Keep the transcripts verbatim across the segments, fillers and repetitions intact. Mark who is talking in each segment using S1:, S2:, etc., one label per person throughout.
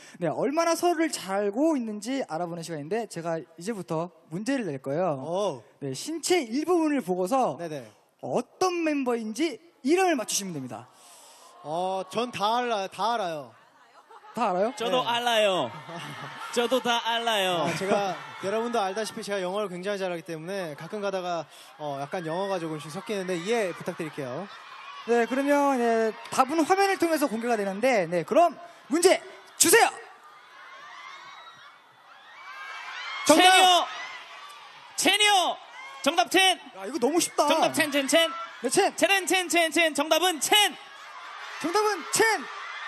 S1: 네, 얼마나 서로를 잘 알고 있는지 알아보는 시간인데 제가 이제부터 문제를 낼 거예요.
S2: 오.
S1: 네, 신체 일부분을 보고서
S2: 네네.
S1: 어떤 멤버인지 이름을 맞추시면 됩니다.
S2: 어, 전 다 알아요. 다 알아요.
S1: 다 알아요?
S3: 저도
S2: 네.
S3: 알아요. 저도 다 알아요.
S2: 어, 제가 여러분도 알다시피 제가 영어를 굉장히 잘하기 때문에 가끔 가다가 어, 약간 영어가 조금씩 섞이는데 이해 부탁드릴게요.
S1: 네, 그러면 네, 답은 화면을 통해서 공개가 되는데, 네, 그럼 문제 주세요.
S2: 정답!
S3: 첸이요. 첸이요. 정답 첸.
S1: 야, 이거 너무 쉽다.
S3: 정답 첸 첸 첸.
S1: 네, 첸.
S3: 첸은 첸 첸 첸. 정답은 첸.
S1: 정답은 첸.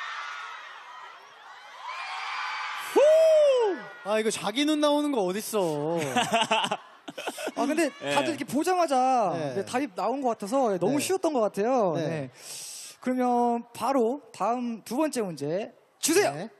S2: 아, 이거 자기 눈 나오는 거 어딨어.
S1: 아, 근데
S3: 네.
S1: 다들 이렇게 보자마자
S2: 네.
S1: 네, 답이 나온 것 같아서 네, 너무
S2: 네.
S1: 쉬웠던 것 같아요.
S2: 네.
S1: 네. 그러면 바로 다음 두 번째 문제 주세요.
S2: 네.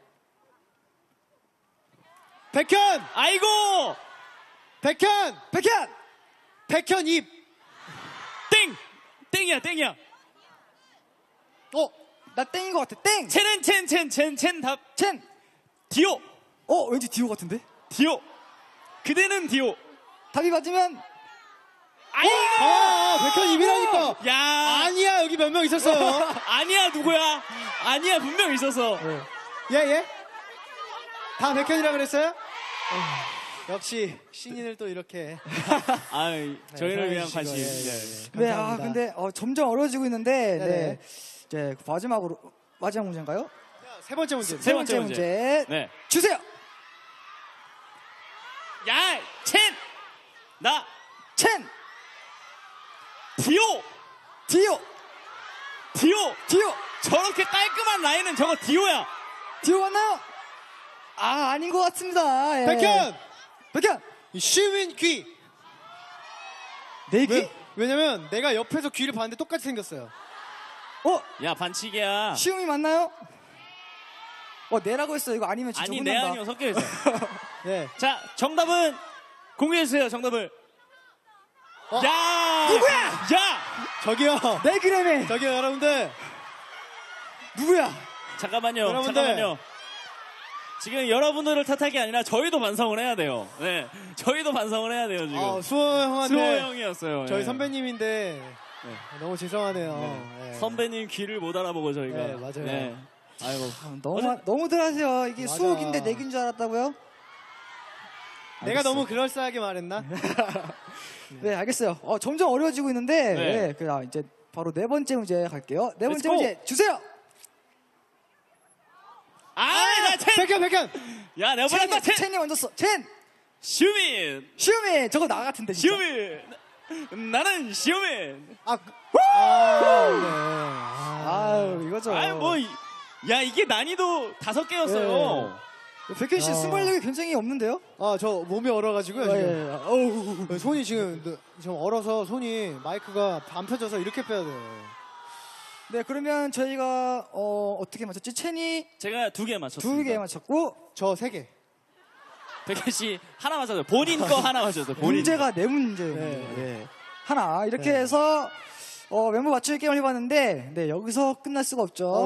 S2: 백현!
S3: 아이고.
S2: 백현!
S1: 백현.
S2: 백현 입!
S3: 땡. 땡이야 땡이야.
S2: 어?
S1: 나 땡인 것 같아. 땡.
S3: 첸은 첸 첸 첸 첸 답.
S1: 첸.
S3: 디오.
S1: 어, 왠지 디오 같은데?
S3: 디오. 그대는 디오.
S1: 답이 맞으면
S3: 아이고.
S2: 아, 백현 입이라니까!
S3: 야.
S2: 아니야, 여기 몇 명 있었어요.
S3: 아니야 누구야? 아니야 분명 있어서.
S2: 예, 예? 다 백현이라 그랬어요? 어, 역시 신인을 또 이렇게.
S3: 아, 저희를 위한
S2: 사랑해주시고,
S3: 관심.
S2: 예, 예,
S3: 예.
S2: 예.
S1: 네, 아,
S2: 감사합니다.
S1: 근데 어, 점점 어려워지고 있는데
S2: 네네.
S1: 네. 이제 마지막으로 마지막 문제인가요?
S2: 세 번째 문제.
S3: 세 번째 문제. 네.
S1: 주세요.
S3: 야, 첸. 나
S1: 첸.
S3: 디오.
S1: 디오.
S3: 디오.
S1: 디오.
S3: 저렇게 깔끔한 라인은 저거 디오야.
S1: 디오 맞나요? 아, 아닌 것 같습니다. 예.
S2: 백현!
S1: 백현.
S2: 슈민 귀!
S1: 내 귀?
S2: 왜? 왜냐면 내가 옆에서 귀를 봤는데 똑같이 생겼어요.
S1: 어,
S3: 야, 반칙이야.
S1: 시움이 맞나요? 어, 내라고 했어. 이거 아니면 진짜
S3: 아니, 내
S1: 혼난다.
S3: 아니요 섞여 있어.
S2: 네.
S3: 자, 정답은 공개해 주세요. 정답을.
S2: 어?
S3: 야!
S1: 누구야?
S3: 야!
S2: 저기요.
S1: 내 그램에
S2: 저기요, 여러분들.
S1: 누구야?
S3: 잠깐만요.
S2: 여러분들.
S3: 잠깐만요. 지금 여러분들을 탓할 게 아니라 저희도 반성을 해야 돼요. 네. 저희도 반성을 해야 돼요, 지금.
S2: 아, 수호 형한테.
S3: 수호 형이었어요.
S2: 저희
S3: 예.
S2: 선배님인데
S3: 네.
S2: 너무 죄송하네요.
S3: 네.
S2: 네.
S3: 선배님 귀를 못 알아보고 저희가.
S2: 네, 맞아요.
S3: 아이고.
S1: 아, 너무 너무들 하세요. 이게
S2: 맞아.
S1: 수옥인데 내긴 줄 알았다고요?
S2: 내가
S1: 알겠어요.
S2: 너무 그럴싸하게 말했나?
S1: 네, 알겠어요. 어, 점점 어려워지고 있는데
S3: 네.
S1: 네, 그냥 이제 바로 네 번째 문제 갈게요. 네 번째
S3: Let's go.
S1: 문제 주세요.
S3: 아, 나 첸!
S2: 백현, 백현!
S3: 야, 내가
S1: 첸이,
S3: 보냈다, 첸!
S1: 첸이 먼저 써. 첸.
S3: 슈민!
S1: 시움이 저거 나 같은데 진짜.
S3: 슈민! 나는 슈민!
S2: 아, 그- 아, 네. 아,
S1: 아유, 이거죠.
S3: 아유, 뭐, 이- 야, 이게 난이도 다섯 개였어요.
S1: 백현 씨
S2: 아.
S1: 순발력이 굉장히 없는데요?
S2: 아, 저 몸이 얼어가지고요.
S1: 아,
S2: 지금.
S1: 예, 예. 어우.
S2: 손이 지금 지금 얼어서 손이 마이크가 안 펴져서 이렇게 빼야 돼요.
S1: 네, 그러면 저희가 어, 어떻게 맞췄지? 첸이
S3: 제가 두 개 맞췄습니다.
S1: 두 개 맞췄고
S2: 저 세 개.
S3: 백현 씨 하나 맞췄어요. 본인 거 하나 맞췄어요. 본인.
S1: 문제가 네 문제예요.
S2: 네.
S1: 네. 하나 이렇게
S2: 네.
S1: 해서 어, 멤버 맞추기 게임을 해봤는데 네, 여기서 끝날 수가 없죠.